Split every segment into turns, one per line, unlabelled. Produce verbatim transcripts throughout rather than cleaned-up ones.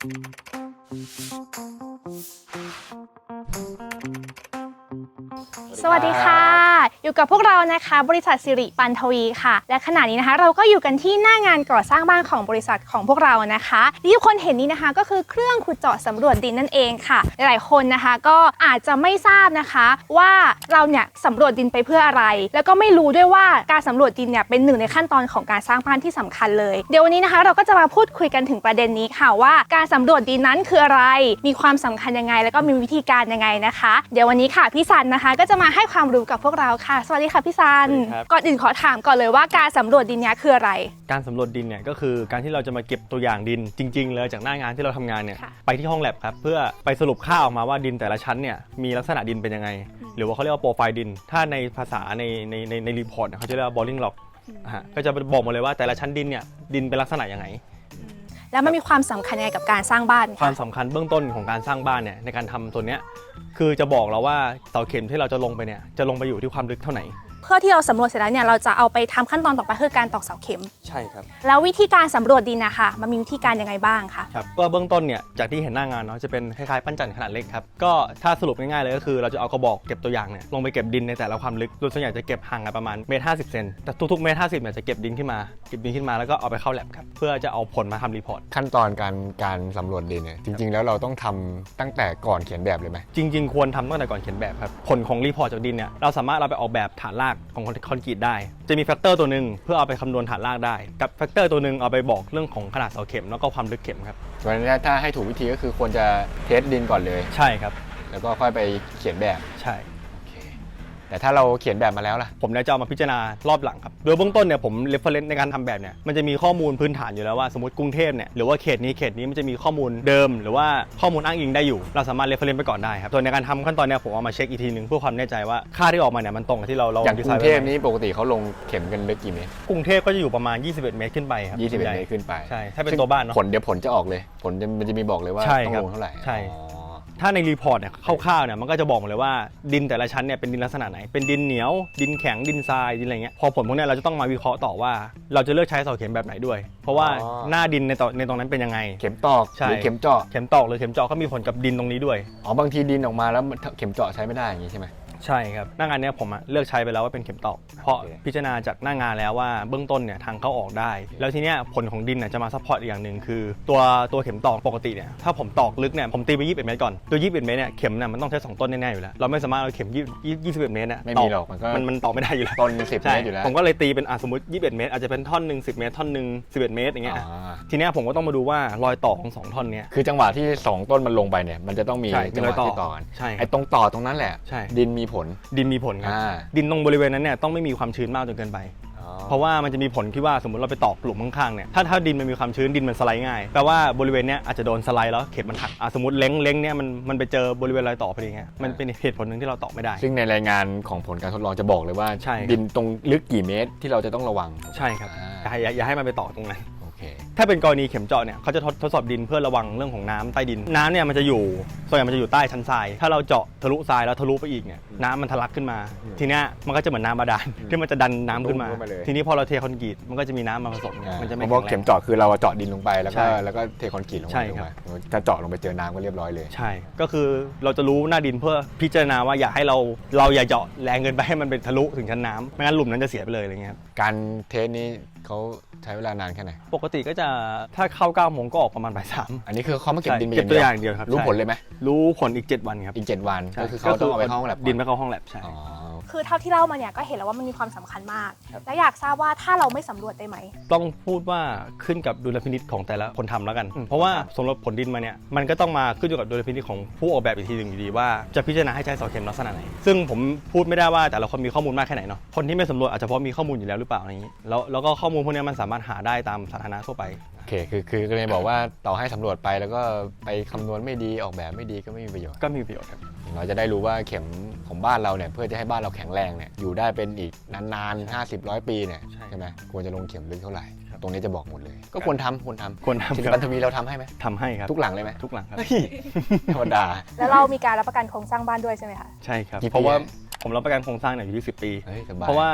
สวัสดีค่ะอยู่กับพวกเรานะคะบริษัทสิริปันทวีค่ะและขณะนี้นะคะเราก็อยู่กันที่หน้างานก่อสร้างบ้านของบริษัทของพวกเรานะคะที่ทุกคนเห็นนี้นะคะก็คือเครื่องขุดเจาะสำรวจดินนั่นเองค่ะหลายๆคนนะคะก็อาจจะไม่ทราบนะคะว่าเราเนี่ยสำรวจดินไปเพื่ออะไรแล้วก็ไม่รู้ด้วยว่าการสำรวจดินเนี่ยเป็นหนึ่งในขั้นตอนของการสร้างบ้านที่สำคัญเลยเดี๋ยววันนี้นะคะเราก็จะมาพูดคุยกันถึงประเด็นนี้ค่ะว่าการสำรวจดินนั้นคืออะไรมีความสำคัญยังไงแล้วก็มีวิธีการยังไงนะคะเดี๋ยววันนี้ค่ะพี่ซันนะคะก็จะมาให้ความรู้กับพวกเราค่ะสวัสดีค่ะพี่ซันก่อนอื่นขอถามก่อนเลยว่าการสำรวจดินนี้คืออะไร
การสำรวจดินเนี่ยก็คือการที่เราจะมาเก็บตัวอย่างดินจริงๆเลยจากหน้างานที่เราทำงานเนี่ยไปที่ห้องแลบครับเพื่อไปสรุปค่าออกมาว่าดินแต่ละชั้นเนี่ยมีลักษณะดินเป็นยังไงหรือว่าเขาเรียกว่าโปรไฟล์ดินถ้าในภาษาในในในในรีพอร์ตเขาจะเรียกว่า boring log ฮะก็จะบอกหมดเลยว่าแต่ละชั้นดินเนี่ยดินเป็นลักษณะยังไง
แล้วมันมีความสำคัญยังไงกับการสร้างบ้าน
ความสำคัญเบื้องต้นของการสร้างบ้านเนี่ยในการทำตัวเนี้ยคือจะบอกเราว่าเสาเข็มที่เราจะลงไปเนี่ยจะลงไปอยู่ที่ความลึกเท่าไหร่
เพื่อที่เราสำรวจเสร็จแล้วเนี่ยเราจะเอาไปทำขั้นตอนต่อไปคือการตอกเสาเข็ม
ใช่ครับ
แล้ววิธีการสำรวจดินนะคะมันมีวิธีการยังไงบ้างคะ
ครับก็เบื้องต้นเนี่ยจากที่เห็นหน้างานเนาะจะเป็นคล้ายๆปั้นจันทร์ขนาดเล็กครับก็ถ้าสรุปง่ายๆเลยก็คือเราจะเอากระบอกเก็บตัวอย่างเนี่ยลงไปเก็บดินในแต่ละความลึกโดยส่วนใหญ่จะเก็บห่างกันประมาณเมตรห้าสิบเซนแต่ทุกๆเมตรห้าสิบเนี่ยจะเก็บดินขึ้นมาเก็บดินขึ้นมาแล้วก็เอาไปเข้าแลบครับเพื่อจะเอาผลมาทำรีพอร์ต
ขั้นตอนการการสำรวจดินเนี่ยจริงๆแล้วเราต้องทำตั้งแต่ก่อนเขียนแบบเลยไหม
จริงๆควรทำตั้งแต่ก่อนเขียนแบบครับผลของรีพอร์ตจากดินเนี่ยเราสามารถเราไปออกแบบฐานรากของคอนกรีตได้จะมีแฟกเตอร์ตัวหนึ่งเพื่อเอาไปคำนวณฐานรากได้กับแฟกเตอร์ตัวหนึ่งเอาไปบอกเรื่องของขนาดเสาเข็มแล้วก็ความลึกเข็มครับ
เพราะฉะนั้นถ้าให้ถูกวิธีก็คือควรจะเทสดินก่อนเลย
ใช่ครับ
แล้วก็ค่อยไปเขียนแบบ
ใช่
แต่ถ้าเราเขียนแบบมาแล้วล่ะ
ผมจะเอามาพิจารณารอบหลังครับโดยเบื้องต้นเนี่ยผมเรฟเฟอเรนซ์ในการทำแบบเนี่ยมันจะมีข้อมูลพื้นฐานอยู่แล้วว่าสมมติกรุงเทพเนี่ยหรือว่าเขตนี้เขตนี้มันจะมีข้อมูลเดิมหรือว่าข้อมูลอ้างอิงได้อยู่เราสามารถเรฟเฟอเรนซ์ไปก่อนได้ครับส่วนในการทำขั้นตอนเนี่ยผมเอามาเช็คอีกทีนึงเพื่อความแน่ใจว่าค่าที่ออกมาเนี่ยมันตรงกับที่เราเรา
อย่างกรุงเทพนี้ปกติเขาลงเข็มกันลึกกี่เมตร
กรุงเทพก็จะอยู่ประมาณยี่สิบเอ็ดเมตรขึ้นไปครับ
ยี่สิบเอ็ดเมตรขึ้นไป
ใช่ถ้าเป็นตัวบ้านเนาะ
ผลเดี๋ยวผลจะออกเลยผลมันจะมีบอกเลยว่าต้องลงเท่าไหร่
ใช่ถ้าในรีพอร์ตเนี่ยคร่าวๆเนี่ยมันก็จะบอกหมดเลยว่าดินแต่ละชั้นเนี่ยเป็นดินลักษณะไหนเป็นดินเหนียวดินแข็งดินทรายดินอะไรเงี้ยพอผลพวกนี้เราจะต้องมาวิเคราะห์ต่อว่าเราจะเลือกใช้เสาเข็มแบบไหนด้วยเพราะว่าหน้าดินในตในตรงนั้นเป็นยังไง
เข็มตอกหรือเข็มเจาะ
เข็มตอกหรือเข็มเจาะก็มีผลกับดินตรงนี้ด้วย
อ๋อบางทีดินออกมาแล้วเข็มเจาะใช้ไม่ได้อย่างนี้ใช่ไหม
ใช่ครับหน้างานนี้ผมเลือกใช้ไปแล้วว่าเป็นเข็มตอกเพราะพิจารณาจากหน้างานแล้วว่าเบื้องต้นเนี่ยทางเข้าออกได้แล้วทีเนี้ยผลของดินจะมาซัพพอร์ตอีกอย่างหนึ่งคือตัวตัวเข็มตอกปกติเนี่ยถ้าผมตอกลึกเนี่ยผมตีไปยี่สิบเอ็ดเมตรก่อนตัวยี่สิบเอ็ดเมตรเนี่ยเข็มเนี่ยมันต้องใช้สองต้นแน่ๆอยู่แล้วเราไม่สามารถเอาเข็มยี่สิบเอ็ดเมตรเนี่ย
ไม่มีหรอกมันก็
มันมันตอกไม่ได้อยู่แล้ว
ต้นสิบเมตรอยู่แล้ว
ผมก็เลยตีเป็นสมมติยี่สิบเอ็ดเมตรอาจจะเป็นท่อนหนึ่งสิบเมตรท่อนหนึ่งสิบเอ็ดเมตรอย่างเงี้ยทีเนี้ยผมก็ต้องมาดูว่ารอยต่อของสองท่อนเนี้ย
คือจังหวะที่สองต้นมันลงไปเนี่ยมันจะต้องมีจังหวะที่ต่อ
ใช่
ไอ้ตรงต่อตรงนั้นแหละดินมีผล
ดินมีผลครับดินตรงบริเวณนั้นเนี่ยต้องไม่มีความชื้นมากจนเกินไปเพราะว่ามันจะมีผลที่ว่าสมมติเราไปตอกหลุมข้างๆเนี่ยถ้าถ้าดินมันมีความชื้นดินมันสไลด์ง่ายแปลว่าบริเวณเนี้ยอาจจะโดนสไลด์แล้วเข็มมันหักสมมติเล้งเล้งเนี่ยมันมันไปเจอบริเวณรอยต่อพอดีเงี้ยมันเป็นเหตุผลหนึ่งที่เราตอกไม่ได้
ซึ่งในรายงานของผลการทดลองจะบอกเลยว่าดินตรงลึกกี่เมตรที่เราจะต้องระวัง
ใช่ครับอย่าอย่าให้มันไปตอกตรงนั้น
Okay.
ถ้าเป็นกรณีเข็มเจาะเนี่ยเขาจะทดทดสอบดินเพื่อระวังเรื่องของน้ำใต้ดินน้ำเนี่ยมันจะอยู่ส่วนใหญ่มันจะอยู่ใต้ชั้นทรายถ้าเราเจาะทะลุทรายแล้วทะลุไปอีกเนี่ยน้ำมันทะลักขึ้นมาทีเนี้ยมันก็จะเหมือนน้ำบาดาลที่มันจะดันน้ำขึ้นมาทีนี้พอเราเทคอนกรีตมันก็จะมีน้ำมาผสมมันจะไม่แข็งแรง
เพราะเข็มเจาะคือเราเจาะดินลงไปแล้วก็แล้วก็เทคอนกรีตลงไปถ้าเจาะลงไปเจอน้ำก็เรียบร้อยเลย
ใช่ก็คือเราจะรู้หน้าดินเพื่อพิจารณาว่าอย่าให้เราเราอย่าเจาะแรงเกินไปให้มันเป็นทะลุถึงชั้นน้ำไม่งั้นหลุมนั้นจะเสียไปเลยอะไรเงี้ย
การเทสนี้เขาใช้เวลานานแค่ไหน
ปกติก็จะถ้าเข้าเก้าโมงก็ออกประมาณบ่ายสาม
อันนี้คือเขามาเก็บดิน
เก็บตัวอย่างเดียวครับ
รู้ผลเลยไหม
รู้ผลอีกเจ็ดวันครับ
อีกเจ็ดวันก็คือเขาต้องเอาไปเข้าห้องแลบ
ดินไปเข้าห้องแลบใช่
คือเท่าที่เล่ามาเนี่ยก็เห็นแล้วว่ามันมีความสำคัญมากและอยากทราบว่าถ้าเราไม่สำรวจได้ไหม
ต้องพูดว่าขึ้นกับดุลพินิจของแต่ละคนทำแล้วกันเพราะว่าสำรวจผลดินมาเนี่ยมันก็ต้องมาขึ้นอยู่กับดุลพินิจของผู้ออกแบบอีกทีหนึ่งอยู่ดีว่าจะพิจารณาให้ใช้เสาเข็มลักษณะไหนซึ่งผมพูดไม่ได้ว่าแต่ละคนมีข้อมูลมากแค่ไหนเนาะคนที่ไม่สำรวจอาจจะเพราะมีข้อมูลอยู่แล้วหรือเปล่าอะไรอย่างนี้แล้วแล้วก็ข้อมูลพวกนี้มันสามารถหาได้ตามสาธารณะทั่วไป
โอเคคือคือก็เลยบอกว่าต่อให้สำรวจไปแล้วก็ไปคำนวณไม่ดีออกแบบไม่ดีก็ไม่มีประโยชน์
ก็มีประโยชน์ครับ
เราจะได้รู้ว่าเข็มของบ้านเราเนี่ยเพื่อจะให้บ้านเราแข็งแรงเนี่ยอยู่ได้เป็นอีกนานๆห้าสิบร้อยปีเนี่ยใช่ไหมควรจะลงเข็มลึกเท่าไหร่ตรงนี้จะบอกหมดเลยก็ควรทำควรทำ
ควรทำ
สิริปันทวีเราทำให้ไหม
ทำให้ครับ
ทุกหลังเลยไหม
ทุกหลังครับ
ธรรมดา
แล้วเรามีการรับประกันโครงสร้างบ้านด้วยใช่ไหมคะ
ใช่ครับเพราะว่าผมรับประกันโครงสร้างเนี่ยอยู่ที่สิบปีเพราะว่า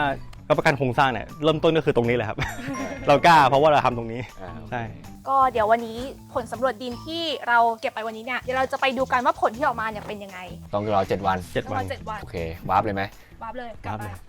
รับประกันโครงสร้างเนี่ยเริ่มต้นก็คือตรงนี้แหละครับ เรากล้าเพราะว่าเราทำตรงนี้
อ่า
ใช่
ก็เดี๋ยววันนี้ผลสำรวจดินที่เราเก็บไปวันนี้เนี่ยเดี๋ยวเราจะไปดูกันว่าผลที่ออกมาเนี่ยเป็นยังไง
ต้องรอเจ็ดวัน
เจ็ด
ประ
วั
มาน ณเจ็ดวัน
โอเควาร์ปเลยไหม
วาร์ปเลยกลับ
วาร์ป
มา
เลย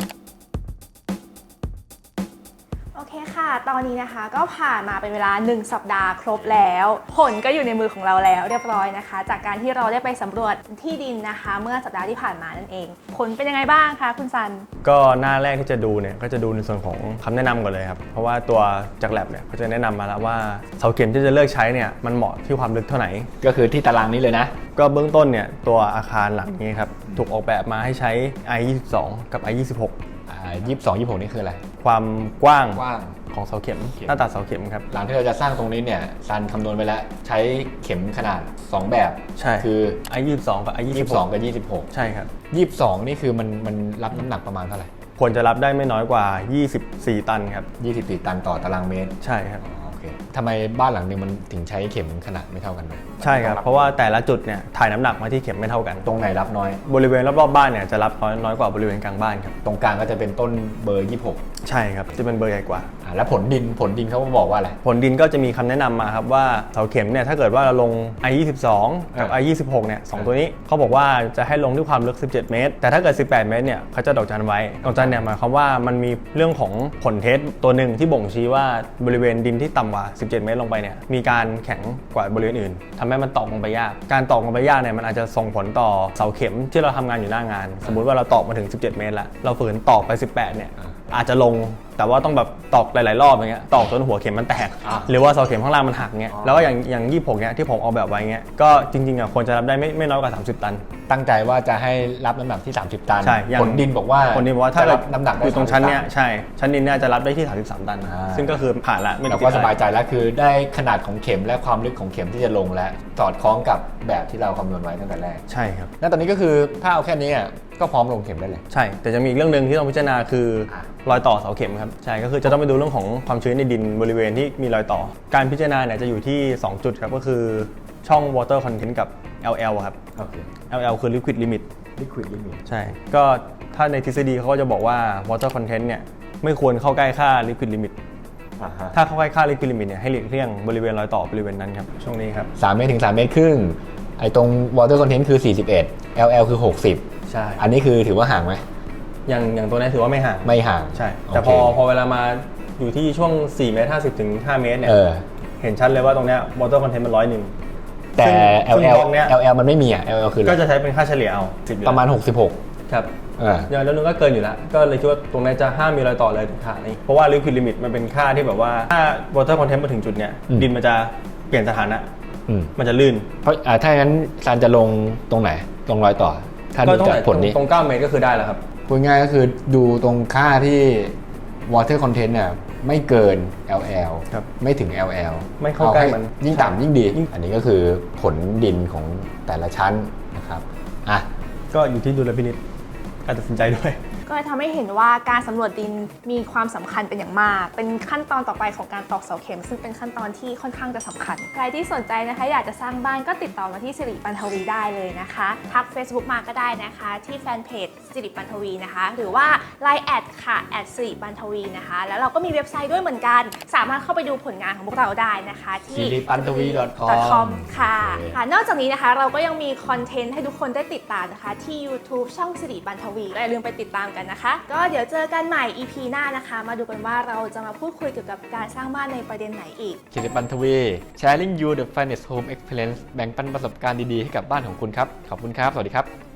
โอเคค่ะ ตอนนี้นะคะก็ผ่านมาเป็นเวลาหนึ่งสัปดาห์ครบแล้ว ผลก็อยู่ในมือของเราแล้วเรียบร้อยนะคะ จากการที่เราได้ไปสำรวจที่ดินนะคะ เมื่อสัปดาห์ที่ผ่านมานั่นเอง ผลเป็นยังไงบ้างคะคุณซัน
ก็หน้าแรกที่จะดูเนี่ยก็จะดูในส่วนของคำแนะนำก่อนเลยครับเพราะว่าตัวจากแลบเนี่ยเขาจะแนะนำมาแล้วว่าเสาเข็มที่จะเลือกใช้เนี่ยมันเหมาะที่ความลึกเท่าไหร่
ก็คือที่ตารางนี้เลยนะ
ก็เบื้องต้นเนี่ยตัวอาคารหลังนี้ครับถูกออกแบบมาให้ใช้ ไอ ยี่สิบสอง กับ ไอ ยี่สิบหก
อ่ายี่สิบสอง ยี่สิบหกนี่คืออะไร
ความกว้าง
กว้าง
ของเสาเข็ม
เข็ม
หน้าตัดเสาเข็มครับ
หลังที่เราจะสร้างตรงนี้เนี่ยซันคำนวณไปแล้วใช้เข็มขนาด สอง แบบ
ใช่
คือ
ไอ ยี่สิบสอง กับ ไอ ยี่
ยี่
สิ
สิ
บบ ห
สอง
ก
กับยี่สิบหก
ใช่ครับ
ยี่สิบสองนี่คือมันมันรับน้ำหนักประมาณเท่าไหร่
ควรจะรับได้ไม่น้อยกว่า ยี่สิบสี่ ตันครับ
ยี่สิบสี่ตันต่อตารางเมตร
ใช่ครับ
อ๋อโอเคทำไมบ้านหลังหนึงมันถึงใช้เข็มขนาดไม่เท่ากันเลย
ใช่ครับเพราะว่าแต่ละจุดเนี่ยถ่ายน้ำหนักมาที่เข็มไม่เท่ากัน
ตรงไหนรับน้อย
บริเวณรอบๆบ้านเนี่ยจะรับน้อยน้อยกว่าบริเวณกลางบ้านครับ
ตรงกลางก็จะเป็นต้นเบอร์ยี่สิบหก
ใช่ครับจะเป็นเบอร์ใหญ่กว่า
อ่าแล้วผลดินผลดินเขาบอกว่าอะไร
ผลดินก็จะมีคำแนะนำมาครับว่าเสาเข็มเนี่ยถ้าเกิดว่าเราลง ไอ ยี่สิบสอง กับ
อ่า
ไอ ยี่สิบหก เนี่ยสองตัวนี้เขาบอกว่าจะให้ลงด้วยความลึก สิบเจ็ด เมตร แต่ถ้าเกิด สิบแปด เมตรเนี่ยเขาจะดอกจันไว้ดอกจันเนี่ยหมายความว่ามันมีเรื่องของผลเทสตัวหนึ่งที่บ่งชี้ว่าบริเวณดินที่ต่ำกว่า สิบเจ็ด เมตรลงไปเนี่ยมีการแข็งกว่าบริเวณอื่นทำให้มันตอกลงไปยากการตอกลงไปยากเนี่ยมันอาจจะส่งผลต่อเสาเข็มที่เราทำงานอยู่หน้างาน สมมุติว่าเราตอกมาถึง สิบเจ็ด เมตรแล้วเราฝืนตอกไป สิบแปด เนี่ยอาจจะลงแต่ว่าต้องแบบตอกหลายๆรอบอย่างเงี้ยตอกจนหัวเข็มมันแตก
อ่า
หรือว่าเสาเข็มข้างล่างมันหักเงี้ย
อ๋อ
แล้วก็อย่างอย่างยี่สิบหกเนี้ยที่ผมเอาแบบไว้เงี้ยก็จริงๆอ่ะควรจะรับได้ไม่ไม่น้อยกว่าสามสิบ ตัน
ตั้งใจว่าจะให้รับน้ำหนักที่ สามสิบ ตัน
ใช่อย่าง
ผลดินบอกว่า
คนนี้บอกว่าถ้า
จะ
เกิ
รั
ด
บน้ำหนักได้
อยู่ตรงชั้นเนี้ย
สามสิบ
ใช่ชั้นดินเนี่ยจะรับได้ที่ สามสิบสาม ตัน
อ่า
ซึ่งก็คือผ่านละไม่
เรา
ติด
ก็
อะไร
สบายใจแล้วคือได้ขนาดของเข็มและความลึกของเข็มที่จะลงและสอดคล้องกับแบบที่เราคำนวณไว้ตั้งแต่แรก
ใช่ครับ
แล้วตอนนี้ก็คือถ้าเอาแค่นี้อ่ะก็พร้อมลงเข็มได้เลย
ใช่แต่จะมีอีกเรื่องหนึ่งที่ต้องพิจารณาคือ
อ่ะ
รอยต่อเสาเข็มครับใช่ก็คือจะต้องไปดูเรื่องของความชื้นในดินบริเวณที่มีรอยต่อ การพิจารณาเนี่ยจะอยู่ที่สองจุดครับก็คือช่อง water content กับ แอล แอล ครับ
โอเค
แอล แอล คือ liquid limit
liquid limit
ใช่ ก็ถ้าในทฤษฎีเขาก็จะบอกว่า water content เนี่ยไม่ควรเข้าใกล้ค่า liquid limit
อ่าฮะ
ถ้าเข้าใกล้ค่า liquid limit เนี่ยให้หลีกเลี่ยงบริเวณรอยต่อบริเวณนั้นครับช่วงนี้ครับ
สามเมตรถึงสามเมตรครึ่งไอ้ตรง water content คือสี่สิบเอ็ด แอล แอล คือหกสิบ
ใช่
อันนี้คือถือว่าห่างไหม
อย่างอย่างตัวนี้ถือว่าไม่ห่าง
ไม่ห่าง
ใช่ แต่
โอเค
พอพอเวลามาอยู่ที่ช่วงสี่เมตรห้าสิบถึงห้าเมตรเนี่ย
เออ
เห็นชัดเลยว่าตรงเนี้ย water content มันร้อยหนึ่ง
แต่
ซึ่ง
แอล แอล
บล็อกเนี้ย
แอล แอล มันไม่มีอ่ะ แอล แอล คืออะไร
ก็จะใช้เป็นค่าเฉลี่ยเอาสิบอยู่
ประมาณ
แล้ว
หกสิบหก
ครับ
เออ
อย่างแล้วนึงก็เกินอยู่แล้ว ก็เลยคิดว่าตรงนี้จะห้ามมีรอยต่อเลยถึงขานี้เพราะว่า liquid limit มันเป็นค่าที่แบบว่าถ้า water content มาถึงจุดเนี้ย
อืม
ดินมันจะเปลี่ยนสถานะ
อืม
มันจะลื่น
เพราะอ่าถ้าอย่างนั้นซันจะลงตรงไหน ตรงรอยต่อ ถ้า
ก็
ดู
ต้อง
จากผลนี้
ตรงเก้าเมตรก็คือได้แล้วครับ
พูดง่ายก็คือดูตรงค่าที่ water content เนี่ยไม่เกิน แอล แอล
ครับ
ไม่ถึง แอล แอล
ไม่เข้าใกล้มัน
ยิ่งต่ำยิ่งดี
ยิ่ง
อันนี้ก็คือผลดินของแต่ละชั้นนะครับอ่ะ
ก็อยู่ที่ดุลพินิจการตัดสินใจด้วย
ก็เลยทำให้เห็นว่าการสำรวจดินมีความสำคัญเป็นอย่างมาก เป็นขั้นตอนต่อไปของการตอกเสาเข็ม ซึ่งเป็นขั้นตอนที่ค่อนข้างจะสำคัญ ใครที่สนใจนะคะอยากจะสร้างบ้านก็ติดต่อมาที่สิริปันทวีได้เลยนะคะ ทัก Facebook มาก็ได้นะคะ ที่แฟนเพจสิริปันทวีนะคะ หรือว่า ไลน์ แอดค่ะแอดสิริปันทวีนะคะ แล้วเราก็มีเว็บไซต์ด้วยเหมือนกัน สามารถเข้าไปดูผลงานของพวกเราได้นะคะที่
สิริปันทวี
.com ค่ะ
โอเค
ค่ะ นอกจากนี้นะคะเราก็ยังมีคอนเทนต์ให้ทุกคนได้ติดตามนะคะ ที่ YouTube ช่องสิริปันทวีก็อย่าลืมไปติดตามกันนะคะ ก็เดี๋ยวเจอกันใหม่ อี พี หน้านะคะ มาดูกันว่าเราจะมาพูดคุยเกี่ยวกับการสร้างบ้านในประเด็นไหนอีก
สิริปันทวี sharing you the finest home experience แบ่งปันประสบการณ์ดีๆให้กับบ้านของคุณครับ ขอบคุณครับ สวัสดีครับ